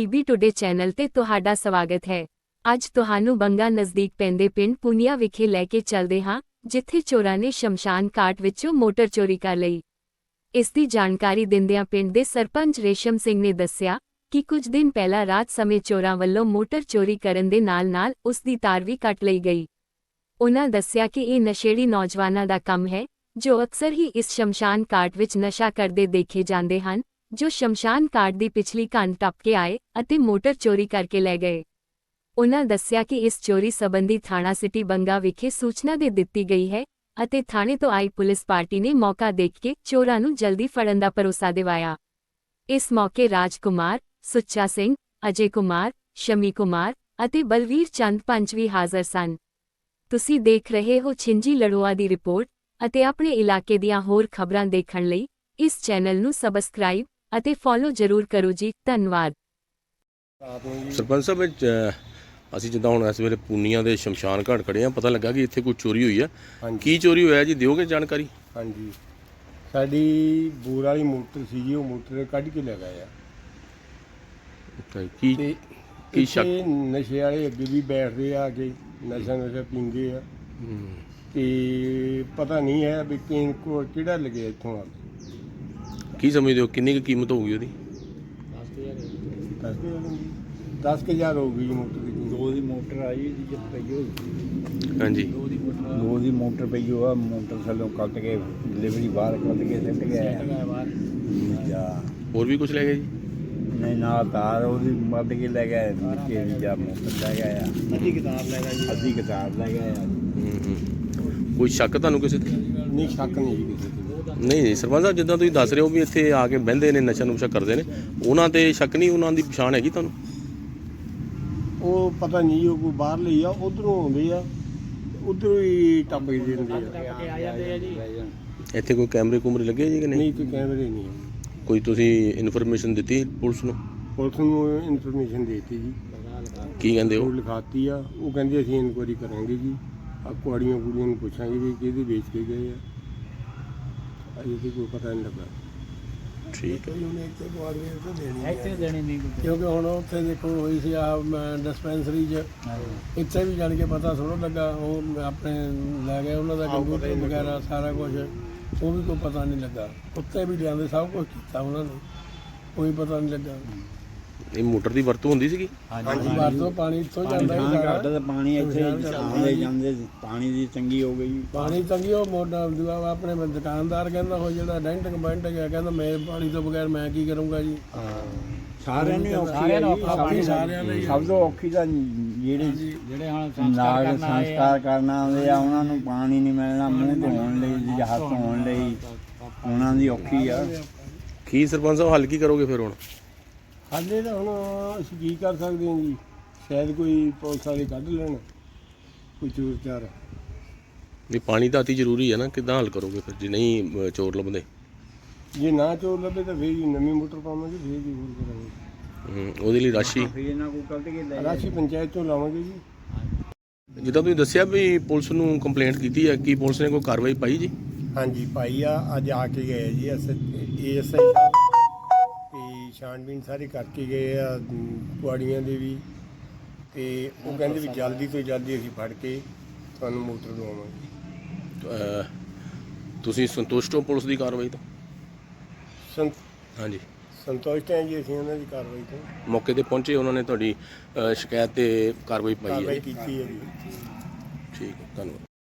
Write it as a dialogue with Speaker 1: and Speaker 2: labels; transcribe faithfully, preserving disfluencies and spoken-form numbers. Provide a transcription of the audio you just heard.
Speaker 1: PB today channel ਤੇ ਤੁਹਾਡਾ ਸਵਾਗਤ ਹੈ। ਅੱਜ ਤੁਹਾਨੂੰ ਬੰਗਾ ਨਜ਼ਦੀਕ ਪੈਂਦੇ ਪਿੰਡ ਪੁਨੀਆ ਵਿਖੇ ਲੈ ਕੇ ਚੱਲਦੇ ਹਾਂ, ਜਿੱਥੇ ਚੋਰਾਂ ਨੇ ਸ਼ਮਸ਼ਾਨ ਘਾਟ ਵਿੱਚੋਂ ਮੋਟਰ ਚੋਰੀ ਕਰ ਲਈ। ਇਸ ਦੀ ਜਾਣਕਾਰੀ ਦਿੰਦਿਆਂ ਪਿੰਡ ਦੇ ਸਰਪੰਚ ਰੇਸ਼ਮ ਸਿੰਘ ਨੇ ਦੱਸਿਆ ਕਿ ਕੁਝ ਦਿਨ ਪਹਿਲਾਂ ਰਾਤ ਸਮੇਂ ਚੋਰਾਂ ਵੱਲੋਂ ਮੋਟਰ ਚੋਰੀ ਕਰਨ ਦੇ ਨਾਲ-ਨਾਲ ਉਸ ਦੀ ਤਾਰ ਵੀ ਕੱਟ ਲਈ ਗਈ। ਉਨ੍ਹਾਂ ਦੱਸਿਆ ਕਿ ਇਹ ਨਸ਼ੇੜੀ ਨੌਜਵਾਨਾਂ ਦਾ ਕੰਮ ਹੈ, ਜੋ ਅਕਸਰ ਹੀ ਇਸ ਸ਼ਮਸ਼ਾਨ ਘਾਟ ਵਿੱਚ ਨਸ਼ਾ ਕਰਦੇ ਦੇਖੇ ਜਾਂਦੇ ਹਨ, ਜੋ ਸ਼ਮਸ਼ਾਨ ਘਾਟ ਦੀ ਪਿਛਲੀ ਕੰਧ ਟੱਪ ਕੇ ਆਏ ਅਤੇ ਮੋਟਰ ਚੋਰੀ ਕਰਕੇ ਲੈ ਗਏ। ਉਨ੍ਹਾਂ ਦੱਸਿਆ ਕਿ ਇਸ ਚੋਰੀ ਸੰਬੰਧੀ ਥਾਣਾ ਸਿਟੀ ਬੰਗਾ ਵਿਖੇ ਸੂਚਨਾ ਦੇ ਦਿੱਤੀ ਗਈ ਹੈ ਅਤੇ ਥਾਣੇ ਤੋਂ ਆਈ ਪੁਲਿਸ ਪਾਰਟੀ ਨੇ ਮੌਕਾ ਦੇਖ ਕੇ ਚੋਰਾਂ ਨੂੰ ਜਲਦੀ ਫੜਨ ਦਾ ਭਰੋਸਾ ਦਿਵਾਇਆ। ਇਸ ਮੌਕੇ ਰਾਜ ਕੁਮਾਰ, ਸੁੱਚਾ ਸਿੰਘ, ਅਜੇ ਕੁਮਾਰ, ਸ਼ਮੀ ਕੁਮਾਰ ਅਤੇ ਬਲਵੀਰ ਚੰਦ ਪੰਚ ਵੀ ਹਾਜ਼ਰ ਸਨ। ਤੁਸੀਂ ਦੇਖ ਰਹੇ ਹੋ ਛਿੰਜੀ ਲੜੋਆ ਦੀ ਰਿਪੋਰਟ ਅਤੇ ਆਪਣੇ ਇਲਾਕੇ ਦੀਆਂ ਹੋਰ ਖਬਰਾਂ ਦੇਖਣ ਲਈ ਇਸ ਚੈਨਲ ਨੂੰ ਸਬਸਕ੍ਰਾਈਬ ਅਤੇ ਫੋਲੋ ਜ਼ਰੂਰ ਕਰੋ ਜੀ। ਧੰਨਵਾਦ।
Speaker 2: ਸਰਪੰਚ ਸਾਹਿਬ, ਅਸੀਂ ਜਿੱਦਾਂ ਹੁਣ ਇਸ ਵੇਲੇ ਪੂਨੀਆਂ ਦੇ ਸ਼ਮਸ਼ਾਨ ਘਾਟ ਖੜੇ ਆ, ਪਤਾ ਲੱਗਾ ਕਿ ਇੱਥੇ ਕੋਈ ਚੋਰੀ ਹੋਈ ਆ। ਕੀ ਚੋਰੀ ਹੋਇਆ ਜੀ, ਦਿਓਗੇ ਜਾਣਕਾਰੀ?
Speaker 3: ਹਾਂਜੀ, ਸਾਡੀ ਬੋਰ ਵਾਲੀ ਮੋਟਰ ਸੀ ਜੀ, ਉਹ ਮੋਟਰ ਕੱਢ ਕੇ ਲੈ ਗਏ ਆ।
Speaker 2: ਕੀ
Speaker 3: ਤੇ
Speaker 2: ਕੀ ਸ਼ੱਕ?
Speaker 3: ਨਸ਼ੇ ਵਾਲੇ ਅੱਗੇ ਵੀ ਬੈਠਦੇ ਆ ਕੇ ਨਸ਼ਾ ਨਸ਼ਾ ਪੀਂਦੇ ਆ, ਤੇ ਪਤਾ ਨਹੀਂ ਹੈ ਵੀ ਕਿਨ ਕੋ ਕਿਹੜਾ ਲੱਗਿਆ ਇੱਥੋਂ ਆ।
Speaker 2: ਕੀ ਸਮਝਦੇ ਹੋ ਕਿੰਨੀ ਕੁ ਕੀਮਤ ਹੋਊਗੀ ਉਹਦੀ?
Speaker 3: ਦਸ ਕੁ ਹਜ਼ਾਰ ਹੋ ਗਈ ਜੀ ਮੋਟਰ ਦੀ।
Speaker 4: ਦੋ ਦੀ ਮੋਟਰ ਆਈ ਜੀ, ਜਦ ਪਈ ਹੋਈ
Speaker 2: ਹਾਂਜੀ,
Speaker 4: ਦੋ ਦੀ ਮੋਟਰ ਪਈ ਹੋ ਆ। ਮੋਟਰ ਥੱਲੋਂ ਕੱਟ ਕੇ ਡਿਲੀਵਰੀ ਬਾਹਰ ਕੱਟ ਕੇ ਸਿੱਟ ਗਿਆ ਬਾਹਰ।
Speaker 2: ਹੋਰ ਵੀ ਕੁਝ ਲੈ ਗਏ ਜੀ?
Speaker 4: ਨਹੀਂ, ਨਾਲ ਤਾਰ ਉਹਦੀ ਮੱਦ ਕੇ ਲੈ ਗਏ, ਵਿੱਚੇ ਵੀ ਜਾ ਮੋਟਰ ਲੈ ਗਏ ਆ। ਅੱਧੀ ਕਿਤਾਬ ਲੈ ਗਏ ਜੀ, ਅੱਧੀ ਕਿਤਾਬ ਲੈ ਗਏ ਆ।
Speaker 2: ਕੋਈ ਸ਼ੱਕ ਤੁਹਾਨੂੰ ਕਿਸੇ ਤੇ?
Speaker 3: ਨਹੀਂ, ਸ਼ੱਕ ਨਹੀਂ ਜੀ ਕਿਸੇ ਤੇ।
Speaker 2: ਨਹੀਂ ਨਹੀਂ ਸਰਪੰਚ ਸਾਹਿਬ, ਜਿੱਦਾਂ ਤੁਸੀਂ ਦੱਸ ਰਹੇ ਹੋ ਵੀ ਇੱਥੇ ਆ ਕੇ ਬਹਿੰਦੇ ਨੇ, ਨਸ਼ਾ ਨੁਸ਼ਾ ਕਰਦੇ ਨੇ, ਉਹਨਾਂ ਤੇ ਸ਼ੱਕ ਨਹੀਂ? ਉਹਨਾਂ ਦੀ ਪਛਾਣ ਹੈਗੀ ਤੁਹਾਨੂੰ?
Speaker 3: ਉਹ ਪਤਾ ਨਹੀਂ, ਉਹ ਕੋਈ ਬਾਹਰ ਲਈ ਆ, ਉਧਰੋਂ ਆਉਂਦੇ ਆ, ਉਧਰੋਂ ਹੀ ਟੱਪ ਕੇ ਦਿੰਦੇ ਆ।
Speaker 2: ਇੱਥੇ ਕੋਈ ਕੈਮਰੇ ਕੁਮਰੇ ਲੱਗੇ ਜੀ ਕਿ ਨਹੀਂ?
Speaker 3: ਨਹੀਂ, ਕੋਈ ਕੈਮਰੇ ਨਹੀਂ।
Speaker 2: ਕੋਈ ਤੁਸੀਂ ਇਨਫੋਰਮੇਸ਼ਨ ਦਿੱਤੀ ਪੁਲਿਸ ਨੂੰ?
Speaker 3: ਪੁਲਿਸ ਨੂੰ ਇਨਫੋਰਮੇਸ਼ਨ ਦੇ ਦਿੱਤੀ ਜੀ।
Speaker 2: ਕੀ ਕਹਿੰਦੇ
Speaker 3: ਉਹ
Speaker 2: ਹੋ?
Speaker 3: ਲਿਖਾਤੀ ਆ, ਉਹ ਕਹਿੰਦੇ ਅਸੀਂ ਇਨਕੁਆਇਰੀ ਕਰਾਂਗੇ ਜੀ। ਆ ਕੁਆੜੀਆਂ ਕੁੜੀਆਂ ਨੂੰ ਪੁੱਛਾਂਗੇ ਵੀ ਕਿਹਦੇ ਵੇਚ ਕੇ ਗਏ ਆ। ਅਜੇ ਤੇ ਕੋਈ ਪਤਾ ਨਹੀਂ ਲੱਗਾ।
Speaker 2: ਠੀਕ ਹੈ।
Speaker 5: ਇੱਥੇ ਦੇਣੀ ਨਹੀਂ, ਕਿਉਂਕਿ ਹੁਣ ਉੱਥੇ ਦੇਖੋ ਹੋਈ ਸੀ ਆ ਡਿਸਪੈਂਸਰੀ 'ਚ, ਇੱਥੇ ਵੀ ਜਾਣ ਕੇ ਪਤਾ ਥੋੜ੍ਹਾ ਲੱਗਾ। ਉਹ ਆਪਣੇ ਲੈ ਗਏ ਉਹਨਾਂ ਦਾ ਕੰਪਿਊਟਰ ਵਗੈਰਾ ਸਾਰਾ ਕੁਝ, ਉਹ ਵੀ ਕੋਈ ਪਤਾ ਨਹੀਂ ਲੱਗਾ। ਉੱਥੇ ਵੀ ਲਿਆਂਦੇ, ਸਭ ਕੁਝ ਕੀਤਾ ਉਹਨਾਂ ਨੇ, ਕੋਈ ਪਤਾ ਨਹੀਂ ਲੱਗਾ।
Speaker 2: ਇਹ ਮੋਟਰ ਦੀ ਵਰਤੋਂ ਹੁੰਦੀ ਸੀਗੀ?
Speaker 5: ਹਾਂਜੀ, ਵਰਤੋਂ ਪਾਣੀ ਇੱਥੋਂ ਜਾਂਦਾ ਹੀ ਸਾਰਾ।
Speaker 4: ਘੱਟ ਤਾਂ ਪਾਣੀ ਇੱਥੇ ਆਉਂਦੇ ਜਾਂਦੇ, ਪਾਣੀ ਦੀ ਤੰਗੀ ਹੋ ਗਈ।
Speaker 5: ਪਾਣੀ ਤੰਗੀ, ਉਹ ਮੋਟਰ ਦੂਆ ਆਪਣੇ ਦੁਕਾਨਦਾਰ ਕਹਿੰਦਾ ਉਹ ਜਿਹੜਾ ਡੈਂਟ ਕਮੈਂਟ ਗਿਆ, ਕਹਿੰਦਾ ਮੈਂ ਪਾਣੀ ਤੋਂ ਬਗੈਰ ਮੈਂ ਕੀ ਕਰੂੰਗਾ ਜੀ।
Speaker 4: ਸਾਰਿਆਂ ਨੂੰ ਔਖੀ
Speaker 5: ਸਾਰਿਆਂ ਲਈ
Speaker 4: ਸਭ ਤੋਂ ਔਖੀ ਤਾਂ ਜਿਹੜੇ
Speaker 5: ਜਿਹੜੇ ਹੁਣ
Speaker 4: ਨਾਗ ਸੰਸਕਾਰ ਕਰਨ ਆਉਂਦੇ ਆ, ਉਹਨਾਂ ਨੂੰ ਪਾਣੀ ਨਹੀਂ ਮਿਲਣਾ ਮੂੰਹ ਧੋਣ ਲਈ ਜਾਂ ਹੱਥ ਧੋਣ ਲਈ, ਉਹਨਾਂ ਦੀ ਔਖੀ ਆ।
Speaker 2: ਕੀ ਸਰਪੰਚ ਸਾਹਿਬ, ਹੱਲ ਕੀ ਕਰੋਗੇ ਫਿਰ ਹੁਣ?
Speaker 3: ਹਾਲੇ ਤਾਂ ਹੁਣ ਅਸੀਂ ਕੀ ਕਰ ਸਕਦੇ ਹਾਂ ਜੀ, ਸ਼ਾਇਦ ਕੋਈ ਪੁਲਿਸ ਵਾਲੇ ਕੱਢ ਲੈਣ ਕੋਈ ਚੋਰ ਚਾਰ।
Speaker 2: ਵੀ ਪਾਣੀ ਤਾਂ ਅਤੀ ਜ਼ਰੂਰੀ ਹੈ ਨਾ, ਕਿੱਦਾਂ ਹੱਲ ਕਰੋਗੇ ਫਿਰ ਜੇ ਨਹੀਂ ਅ, ਚੋਰ ਲੱਭਦੇ?
Speaker 3: ਜੇ ਨਾ ਚੋਰ ਲੱਭੇ ਤਾਂ ਫੇਰ ਜੀ ਨਵੀਂ ਮੋਟਰ ਪਾਵਾਂਗੇ, ਫੇਰ ਜੀ ਹੋਰ ਕਰਾਂਗੇ।
Speaker 2: ਹੂੰ, ਉਹਦੇ ਲਈ ਰਾਸ਼ੀ
Speaker 4: ਇਹਨਾਂ ਕੋਲ ਕੱਢ ਕੇ ਲੈ
Speaker 3: ਰਾਸ਼ੀ ਪੰਚਾਇਤ ਤੋਂ ਲਾਵਾਂਗੇ ਜੀ।
Speaker 2: ਜਿੱਦਾਂ ਤੁਸੀਂ ਦੱਸਿਆ ਵੀ ਪੁਲਿਸ ਨੂੰ ਕੰਪਲੇਂਟ ਕੀਤੀ ਹੈ, ਕੀ ਪੁਲਿਸ ਨੇ ਕੋਈ ਕਾਰਵਾਈ ਪਾਈ ਜੀ?
Speaker 3: ਹਾਂਜੀ ਭਾਈ ਆ, ਅੱਜ ਆ ਕੇ ਗਏ G S A S I ਸਾਹਿਬ, ਤੇ ਛਾਣਬੀਨ ਸਾਰੀ ਕਰਕੇ ਗਏ ਆ ਕੁਆੜੀਆਂ ਦੇ ਵੀ, ਤੇ ਉਹ ਕਹਿੰਦੇ ਵੀ ਜਲਦੀ ਤੋਂ ਜਲਦੀ ਅਸੀਂ ਫੜ ਕੇ ਤੁਹਾਨੂੰ ਮੋਟਰ ਦਵਾਵਾਂਗੇ।
Speaker 2: ਅ, ਤੁਸੀਂ ਸੰਤੁਸ਼ਟ ਹੋ ਪੁਲਿਸ ਦੀ ਕਾਰਵਾਈ ਤੋਂ?
Speaker 3: ਸੰਤ
Speaker 2: ਹਾਂਜੀ,
Speaker 3: ਸੰਤੁਸ਼ਟ ਹਾਂ ਜੀ ਅਸੀਂ ਉਹਨਾਂ ਦੀ ਕਾਰਵਾਈ ਤੋਂ।
Speaker 2: ਮੌਕੇ ਤੇ ਪਹੁੰਚੇ, ਉਹਨਾਂ ਨੇ ਤੁਹਾਡੀ ਅ, ਸ਼ਿਕਾਇਤ ਤੇ ਕਾਰਵਾਈ ਪਾਈ ਹੈ?
Speaker 3: ਕਾਰਵਾਈ ਕੀਤੀ ਹੈ ਜੀ।
Speaker 2: ਠੀਕ ਹੈ, ਧੰਨਵਾਦ।